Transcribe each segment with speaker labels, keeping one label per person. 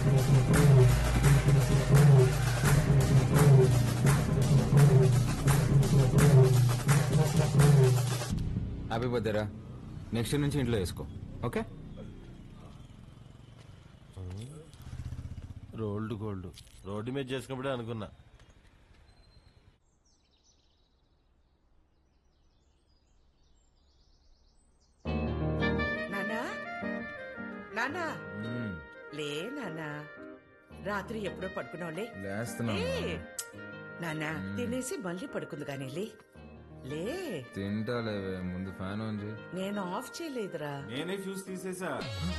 Speaker 1: Happy బర్త్డేరా. Next నుంచి ఇంట్లో వేసుకో, ఓకే?
Speaker 2: రోల్డ్ గోల్డ్ రోడ్డు మీద చేసుకున్నప్పుడే అనుకున్నా.
Speaker 3: నానా నానా లే నానా, రాత్రి ఎప్పుడో పడుకున్నావులే.
Speaker 1: లేస్తున్నా.
Speaker 3: నానా తినేసి మళ్ళీ పడుకుంది కానీ లే లే.
Speaker 1: తింటాలేవే, ముందు ఫ్యాన్ ఆన్ చేయి.
Speaker 3: నేను ఆఫ్ చేయలేదురా.
Speaker 4: నేనే ఫ్యూజ్ తీసేసా.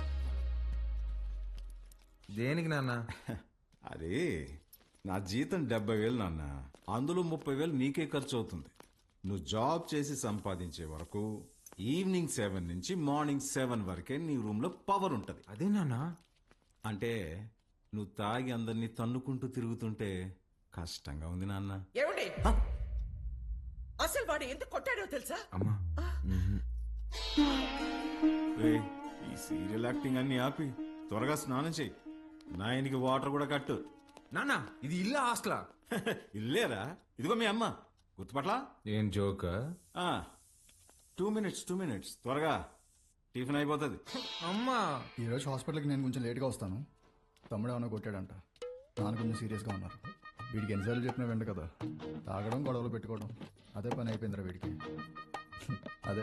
Speaker 1: దేనికి నాన్న?
Speaker 4: అదే నా జీతం 70,000 నాన్న, అందులో 30,000 నీకే ఖర్చు అవుతుంది. నువ్వు జాబ్ చేసి సంపాదించే వరకు ఈవినింగ్ 7 నుంచి మార్నింగ్ 7 వరకే నీ రూమ్ లో పవర్ ఉంటది.
Speaker 1: అదే నాన్న.
Speaker 4: అంటే నువ్వు తాగి అందరినీ తన్నుకుంటూ తిరుగుతుంటే కష్టంగా ఉంది నాన్న.
Speaker 3: ఏమండి అసలు వాడు ఎందుకు కొట్టాడో తెలుసా?
Speaker 1: అమ్మా
Speaker 4: రేయ్, ఈ సీరియల్ యాక్టింగ్ అన్ని ఆపి త్వరగా స్నానం చెయ్యి. నాయనికి వాటర్ కూడా కట్టు.
Speaker 1: నాన్న, ఇది ఇల్లా హాస్టలా?
Speaker 4: ఇల్లేరా, ఇదిగో మీ అమ్మ. గుర్తుపట్లా?
Speaker 1: ఏం జోక్?
Speaker 4: 2 minutes త్వరగా టిఫిన్ అయిపోతుంది.
Speaker 1: అమ్మా,
Speaker 5: ఈరోజు హాస్పిటల్కి నేను కొంచెం లేట్గా వస్తాను. తమ్ముడు ఏమైనా కొట్టాడంట, నాన్న కొంచెం సీరియస్గా ఉన్నారు. వీడికి ఎన్నిసార్లు చెప్పినా వెంట కదా, తాగడం గొడవలు పెట్టుకోవడం అదే పని అయిపోయిందిరా వీడికి. అదే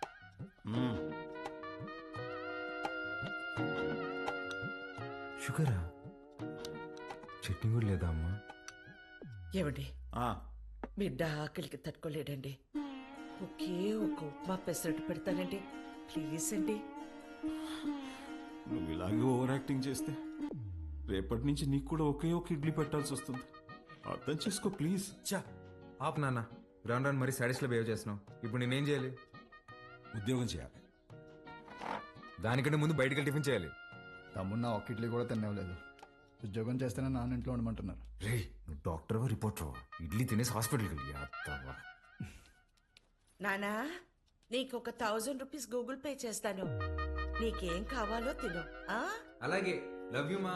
Speaker 1: షుగరా? చట్నీ కూడా లేదా అమ్మా?
Speaker 3: ఏమండి
Speaker 4: ఆ,
Speaker 3: బిడ్డ ఆకలికి తట్టుకోలేడండి. ఒకే ఒక ఉప్మా పెసరట్టు పెడతానండి, ప్లీజ్ అండి.
Speaker 4: నువ్వు ఇలాగే ఓవర్ యాక్టింగ్ చేస్తే రేపటి నుంచి నీకు కూడా ఒకే ఒక ఇడ్లీ పెట్టాల్సి వస్తుంది. అర్థం చేసుకో ప్లీజ్.
Speaker 1: చా ఆపు నాన్న, రాను రాను మరీ సాడీస్లో బిహేవ్ చేస్తున్నావు. ఇప్పుడు నేనేం చేయాలి?
Speaker 4: ఉద్యోగం చేయాలి.
Speaker 1: దానికంటే ముందు బయటకి టిఫిన్ చేయాలి.
Speaker 5: తమ్ముడు నా ఒక్క ఇడ్లీ కూడా తినేవలేదు. ఉద్యోగం చేస్తేనే నాన్న ఇంట్లో ఉండమంటున్నారు.
Speaker 1: రే, నువ్వు డాక్టర్వా రిపోర్టర్వా? ఇడ్లీ తినేసి హాస్పిటల్కి వెళ్ళి అత్తవా.
Speaker 3: నానా, నీకు ఒక 1000 రూపీస్ గూగుల్ పే చేస్తాను. నీకేం కావాలో తిను.
Speaker 1: అలాగే, లవ్ యూ మా.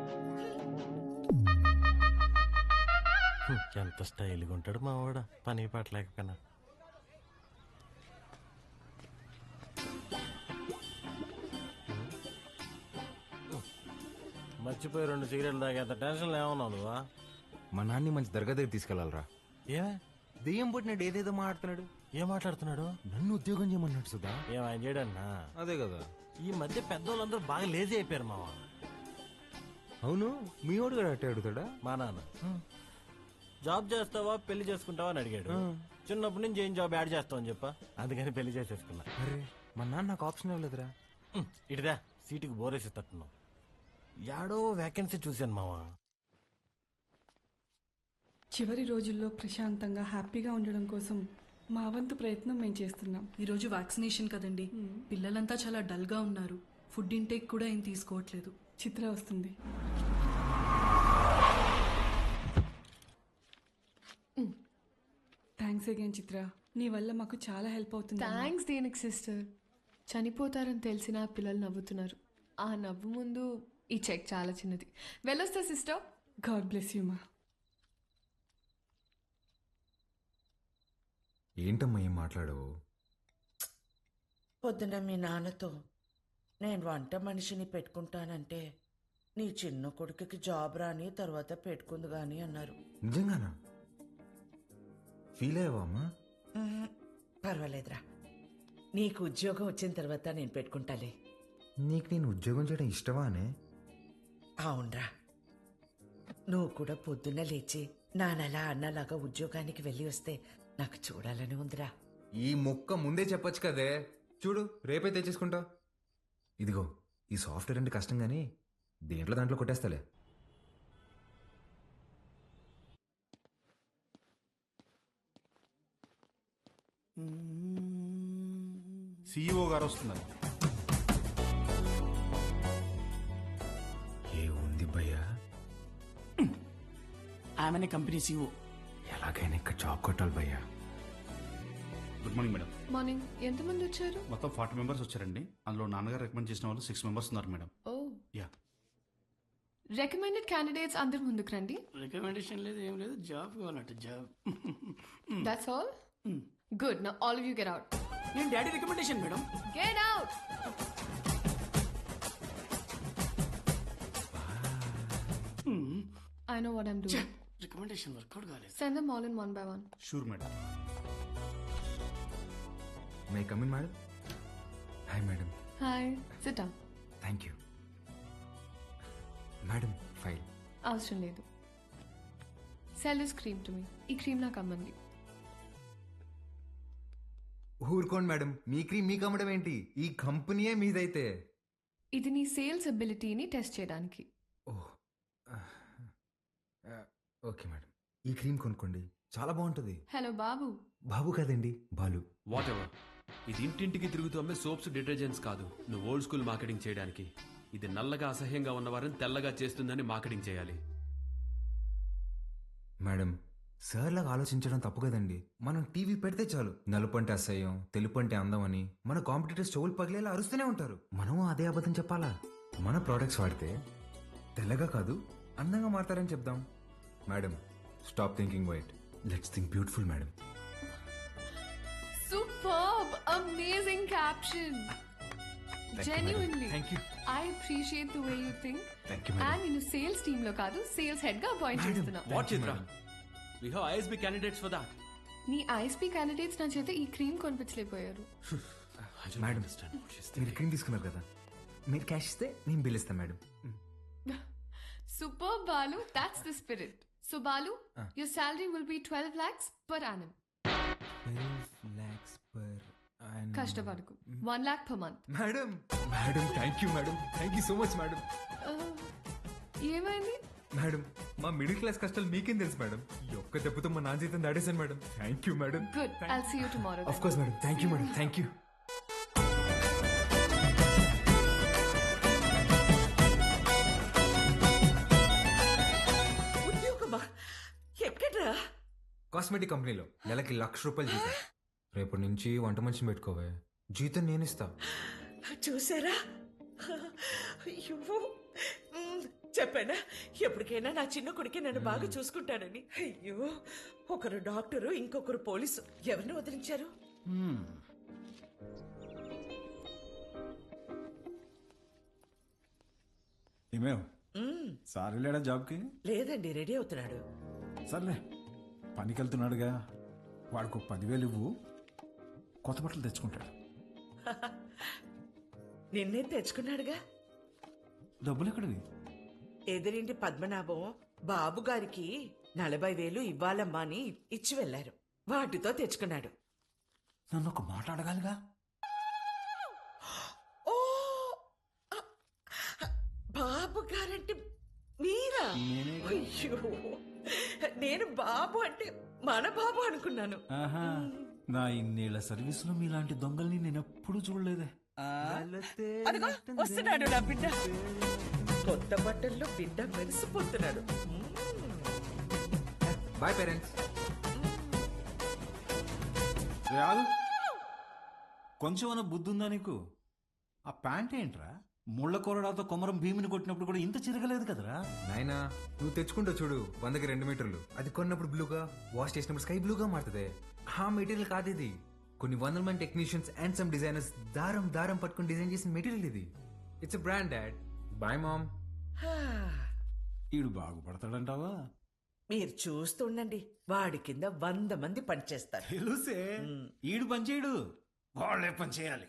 Speaker 2: ఎంత స్టైల్గా ఉంటాడు మా వాడు, పని పట్టలేకపోయినా. మర్చిపోయి 2 సిగరెట్లు తాగేంత టెన్షన్ ఏమన్నావు నువ్వా?
Speaker 1: మా నాన్ని మంచి దర్గా దగ్గర తీసుకెళ్లాలరా.
Speaker 2: ఏమే
Speaker 1: దెయ్యం పుట్టినాడు, ఏదేదో మాట్లాడుతున్నాడు.
Speaker 2: ఏం మాట్లాడుతున్నాడు?
Speaker 1: నన్ను ఉద్యోగం చేయమన్నాడు సుధా.
Speaker 2: ఏం ఆయన చేయడన్నా?
Speaker 1: అదే కదా.
Speaker 2: ఈ మధ్య పెద్దోళ్ళందరూ బాగా లేజీ అయిపోయారు మావా.
Speaker 1: అవును, మీ వాడు కూడా అట్టే అడుగుతాడా?
Speaker 2: మా నాన్న జాబ్ చేస్తావా పెళ్లి చేసుకుంటావా అని అడిగాడు. చిన్నప్పటి నుంచి ఏం జాబ్ యాడ్ చేస్తావు అని చెప్పా, అందుకని పెళ్లి చేసేసుకున్నా.
Speaker 1: అరే, మా నాన్న నాకు ఆప్షన్ ఇవ్వలేదురా.
Speaker 2: ఇటుదా సీటుకి బోరేసి తట్టున్నావు. యాడో వేకెన్సీ చూశాను మావా.
Speaker 6: చివరి రోజుల్లో ప్రశాంతంగా హ్యాపీగా ఉండడం కోసం మా వంతు ప్రయత్నం మేము చేస్తున్నాం.
Speaker 7: ఈరోజు వ్యాక్సినేషన్ కదండి, పిల్లలంతా చాలా డల్గా ఉన్నారు. ఫుడ్ ఇంటేక్ కూడా ఏం తీసుకోవట్లేదు.
Speaker 6: చిత్ర వస్తుంది. థ్యాంక్స్ అగైన్ చిత్ర, నీ వల్ల మాకు చాలా హెల్ప్ అవుతుంది.
Speaker 8: థ్యాంక్స్ దేనికి సిస్టర్. చనిపోతారని తెలిసిన పిల్లలు నవ్వుతున్నారు. ఆ నవ్వు ముందు ఈ చెక్ చాలా చిన్నది. వెళ్ళొస్తా సిస్టర్.
Speaker 6: గాడ్ బ్లెస్ యూ మా.
Speaker 1: ఏంటమ్మా ఏం మాట్లాడవు?
Speaker 3: పొద్దున మీ నాన్నతో నేను వంట మనిషిని పెట్టుకుంటానంటే నీ చిన్న కొడుకుకి జాబ్ రాని తర్వాత పెట్టుకుంది గాని అన్నారు.
Speaker 1: నిజంగానా? ఫీల్ అయ్యావా అమ్మా?
Speaker 3: పర్వాలేదురా, నీకు ఉద్యోగం వచ్చిన తర్వాత నేను పెట్టుకుంటాలే.
Speaker 1: నీకు నేను ఉద్యోగం చేయడం ఇష్టమా అనే?
Speaker 3: అవునరా, నువ్వు కూడా పొద్దున్న లేచి నానలా అన్నలాగా ఉద్యోగానికి వెళ్ళి వస్తే నాకు చూడాలని ఉందిరా.
Speaker 1: ఈ ముక్క ముందే చెప్పొచ్చు కదే. చూడు, రేపే తెచ్చేసుకుంటా. ఇదిగో, ఈ సాఫ్ట్వేర్ అంటే కష్టం కానీ దాంట్లో కొట్టేస్తాలే.
Speaker 4: సిఇఓ గారు వస్తున్నారు.
Speaker 1: ఏ ఉంది భయ్యా?
Speaker 9: ఆమెనే కంపెనీ సీఓ.
Speaker 1: ఎలాగైనా ఇక్కడ జాబ్ కొట్టాలి భయ్యా.
Speaker 10: Good morning madam.
Speaker 8: మార్నింగ్. ఎంతమంది వచ్చారు?
Speaker 10: మొత్తం 40 మెంబర్స్ వచ్చారండి. అందులో నాన్నగారు రికమెండ్ చేసిన వాళ్ళు 6 మెంబర్స్ ఉన్నారు madam.
Speaker 8: Oh
Speaker 10: yeah.
Speaker 8: Recommended candidates అందరి ముందుకు రండి.
Speaker 9: రికమెండేషన్ లేదు, ఏం లేదు, జాబ్ కావాలంట, job.
Speaker 8: That's all. Good. Now all of you get out.
Speaker 9: నేను daddy recommendation madam.
Speaker 8: Get out. I know what I'm doing.
Speaker 9: Recommendation work out కాలేదు.
Speaker 8: Send them all in one by one.
Speaker 10: Sure madam.
Speaker 1: May come in madam. Hi madam.
Speaker 8: Hi. Sit down.
Speaker 1: Thank you madam. File
Speaker 8: అవసరం లేదు. Sell this cream to మీ. ఈ cream నాకు అమ్మండి.
Speaker 1: ఊరుకోండి madam, మీ cream మీకు అమ్మడం ఏంటి? ఈ కంపెనీయే మీదైతే.
Speaker 8: ఇది నీ సేల్స్ అబిలిటీని టెస్ట్ చేయడానికి.
Speaker 1: ఓకే మేడం, ఈ క్రీమ్ కొనుక్కోండి, చాలా బాగుంటుంది.
Speaker 8: హలో బాబు.
Speaker 1: బాబు కాదండి, బాలు.
Speaker 11: What ever. ఇది ఇంటింటికి తిరుగుతూ అమ్మే సోప్స్, డిటర్జెంట్స్ కాదు. నువ్వు ఓల్డ్ స్కూల్ మార్కెటింగ్ చేయడానికి. ఇది నల్లగా అసహ్యంగా ఉన్నవారిని తెల్లగా చేస్తుందని మార్కెటింగ్ చేయాలి.
Speaker 1: మేడం, సార్ లాగా ఆలోచించడం తప్పు కదండి. మనం టీవీ పెడితే చాలు నలుపు అంటే అసహ్యం, తెలుపు అంటే అందం అని మన కాంపిటీటర్స్ చెవులు పగిలేలా అరుస్తూనే ఉంటారు. మనం అదే అబద్ధం చెప్పాలా? మన ప్రోడక్ట్స్ వాడితే తెల్లగా కాదు అందంగా మారతారని చెప్దాం. Madam, stop thinking white, let's think beautiful madam.
Speaker 8: Superb! Amazing caption. Genuinely.
Speaker 1: Thank you.
Speaker 8: I appreciate the way you think.
Speaker 1: Thank you, madam.
Speaker 8: And నేను సేల్స్ టీమ్ లో కాదు, సేల్స్ హెడ్ గా అపాయింట్ చేస్తున్నా.
Speaker 11: What Chitra? We have ISB candidates for that.
Speaker 8: నీ ISP candidates నా చేత ఈ cream కొనిపించలేకపోయారు.
Speaker 1: మేడం, మీరు క్రీమ్ తీసుకున్నారు కదా, మీరు క్యాష్ ఇస్తే నేను బిల్ ఇస్తాను madam.
Speaker 8: Superb, Balu. That's the spirit. So Balu, your salary will be 12 lakhs per annum.
Speaker 1: 12 lakhs per annum.
Speaker 8: కష్టపడకు. 1 lakh per month.
Speaker 1: Madam, madam, thank you madam, thank you so much madam.
Speaker 8: ఏమైంది?
Speaker 1: Madam, మా middle class కష్టాలు మీకేం తెలుసు madam. ఈ ఒక్క దెబ్బతో మా నాన్న జీతం దాడేశాను madam. Thank you madam.
Speaker 8: Good. I'll see you tomorrow.
Speaker 1: Of course madam. Thank you madam. Thank you.
Speaker 3: ఉద్యోగమా? ఎక్కడ్రా?
Speaker 1: కాస్మెటిక్ కంపెనీలో నెలకి ₹1,00,000 జీతం. రేపటి నుంచి వంట మనిషిని పెట్టుకోవే, జీతం నేను ఇస్తా.
Speaker 3: చూసారా? అయ్యో, చెప్పానా ఎప్పటికైనా నా చిన్న కొడుకే నన్ను బాగా చూసుకుంటానని. అయ్యో, ఒకరు డాక్టరు, ఇంకొకరు పోలీసు. ఎవరిని వదిలించారు?
Speaker 4: ఏమేవ్ సార్ వెళ్ళాడా జాబ్కి?
Speaker 3: లేదండి, రెడీ అవుతున్నాడు.
Speaker 4: సర్లే, పనికి వెళ్తున్నాడుగా, వాడికి 10,000 ఇవ్వు, కొత్త బట్టలు తెచ్చుకుంటాడు.
Speaker 3: నిన్నే తెచ్చుకున్నాడుగా.
Speaker 4: డబ్బులు ఎక్కడివి?
Speaker 3: ఎదురింటి పద్మనాభం బాబు గారికి 40,000 ఇవ్వాలమ్మా అని ఇచ్చి వెళ్లారు. వాటితో తెచ్చుకున్నాడు.
Speaker 4: నన్ను ఒక మాట అడగాలిగా.
Speaker 3: ఓ, బాబు గారంటే మీరా? అయ్యో, నేను బాబు అంటే మన బాబు అనుకున్నాను.
Speaker 4: ఆహా, నా ఇన్నేళ్ల సర్వీస్ లో మీలాంటి దొంగల్ని నేను ఎప్పుడు చూడలేదే.
Speaker 3: అదిగో వస్తున్నాడు నా బిడ్డ. కొత్త బట్టల్లో బిడ్డ మెరిసిపోతున్నాడు.
Speaker 1: Boy parents.
Speaker 4: రాదు, కొంచెం అన్న బుద్ధి ఉందా నీకు? ఆ ప్యాంట్ ఏంట్రా? ముళ్ళ కొరడాతో కొమరం భీమిని కొట్టినప్పుడు కూడా ఇంత చిరగలేదు కదరా.
Speaker 1: నాయనా, నువ్వు తెచ్చుకుంటావు చూడు 100కి 2 మీటర్లు. అది కొన్నప్పుడు బ్లూగా, వాష్ చేసినప్పుడు స్కై బ్లూగా మారుతుంది. ఆ మెటీరియల్ కాదు ఇది. కొన్ని 100 మంది టెక్నీషియన్స్ అండ్ సమ్ డిజైనర్స్ దారం దారం పట్టుకుని డిజైన్ చేసిన మెటీరియల్ ఇది. It's brand dad. Boy mom.
Speaker 4: ఈడు బాగుపడతాడంటావా?
Speaker 3: మీరు చూస్తుండండి, వాడి కింద 100 మంది పనిచేస్తారు.
Speaker 4: తెలుసే, ఈడు పనిచేయడు, వాళ్ళే పని చేయాలి.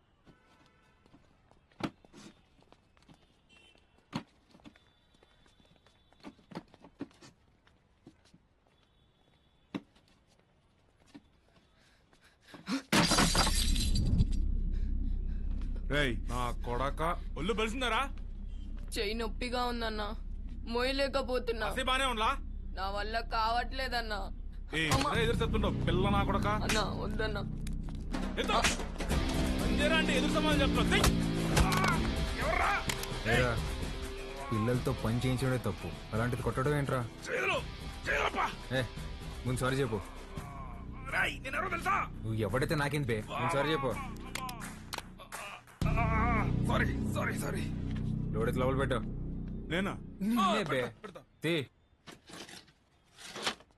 Speaker 10: నా కొడక ఒళ్ళు బలిసిందరా?
Speaker 8: చెయ్యి నొప్పిగా ఉందన్నా, మోయలేకపోతున్నా.
Speaker 10: బానే ఉండలా?
Speaker 8: నా వల్ల కావట్లేదన్నా.
Speaker 10: ఎదురు చెప్తుండవు పిల్ల నా కొడక.
Speaker 8: అన్నా వద్దన్నా.
Speaker 10: అంటే ఎదురు సమాధానం చెప్తా.
Speaker 1: పిల్లలతో పని చేయించడమే తప్పు, అలాంటిది కొట్టడం ఏంట్రా? ఏ, ముందు సారీ చెప్పు. నువ్వు ఎవడైతే నాకేం పే, ముందు సారీ చెప్పు.
Speaker 10: సారీ
Speaker 1: లోడెత్తి లోపల పెట్టు.
Speaker 10: నేనా
Speaker 1: నిన్నే బే.
Speaker 10: పెడతా.
Speaker 1: తే.